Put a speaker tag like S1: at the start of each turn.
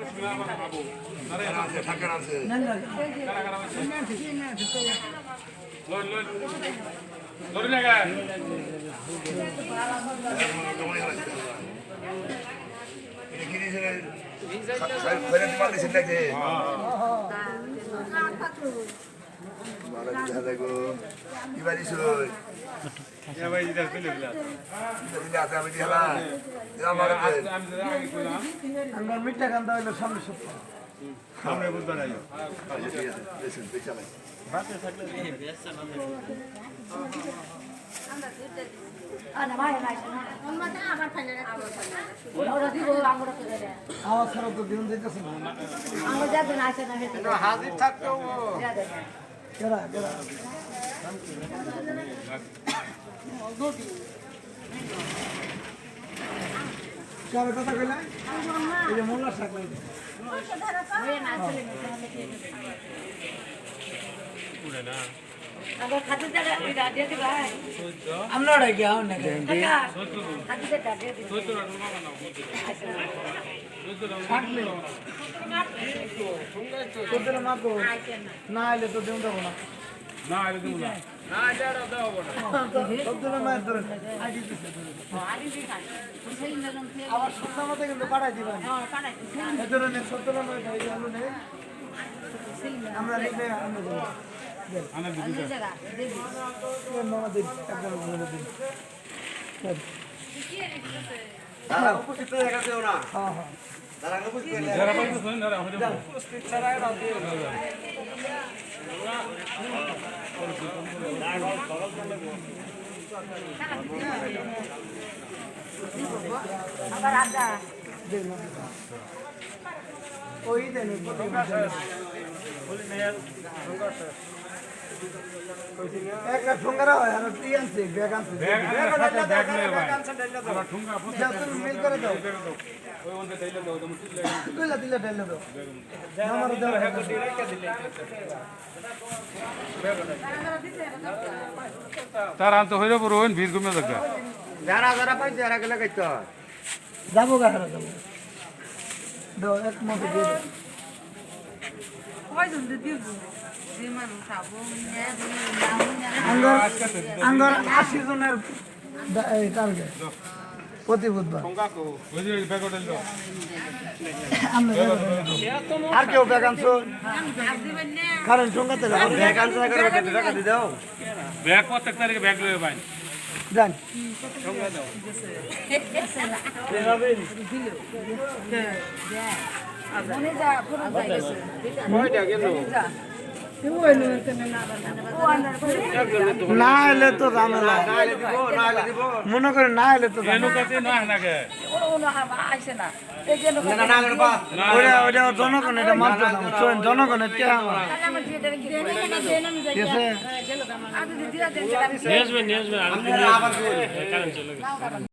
S1: মিঠা কান্দা হইলো সামনে সপ্তাহ
S2: সামনে বুঝবে না
S1: আমার ছাড়া তো দিন দিতেছে না হাজির থাকতো কেরা কেরা কার কথা কইলা এই যে মোল্লা শাক লাইতে আমরা গিয়া না না এলে তো দেব দেবো না
S2: না আরে দেবো না না এটা দাও বড়
S1: আবার সত্য মতো কিন্তু পাঠাই দিবেন এ ধরনের সত্য আমরা লিখে
S2: আনা দিদি
S1: মামা দিন একবার বলে দিন
S3: উপস্থিত হয়ে গেছে ওরা
S1: হ্যাঁ হ্যাঁ
S3: তারা উপস্থিত
S2: যারা পাইছো শুনেন যারা হয়ে যাবে
S1: উপস্থিত ছাড়া এটা দিয়ে
S4: আবার আদা
S1: ওই দেন একটা ঠুঙ্গারা হয় আর টি আনছে ব্যাগ আনছে
S2: ব্যাগ নিয়ে ভাই আবার ঠুঙ্গা
S1: যা তুমি মিল করে দাও
S2: ওই ওনতে তাইলে দাও তুমি তুললে
S1: কইলা দিলে ঢেলে দাও আমার দাও
S2: তার আন্ত হইলে পুরো ওই ভিড় কমে যাবে
S3: যারা যারা পাইছে এরা গেলে কইতে হয়
S1: যাবো গাহরা যাবো দাও এক মতো দিয়ে দাও আঙ্গার 80 জনের টার্গেট প্রতি বুধবার
S2: ওই যে ব্যাগটা দাও
S1: আর কেউ ব্যাগ আনছো কারণ সঙ্গাতে
S3: ব্যাগ আনতে করে টাকা দিয়ে দাও
S2: ব্যাগ প্রত্যেক তারিখে ব্যাগ লয়ে ভাই
S1: যান না এলে তো ঝামেলা মনে করে না এলে তো
S2: এনো কাছে না নাকে
S1: ওটা জনগণ এটা মানতে জনগণের কে
S4: নিয়ে আসবেন
S3: আবার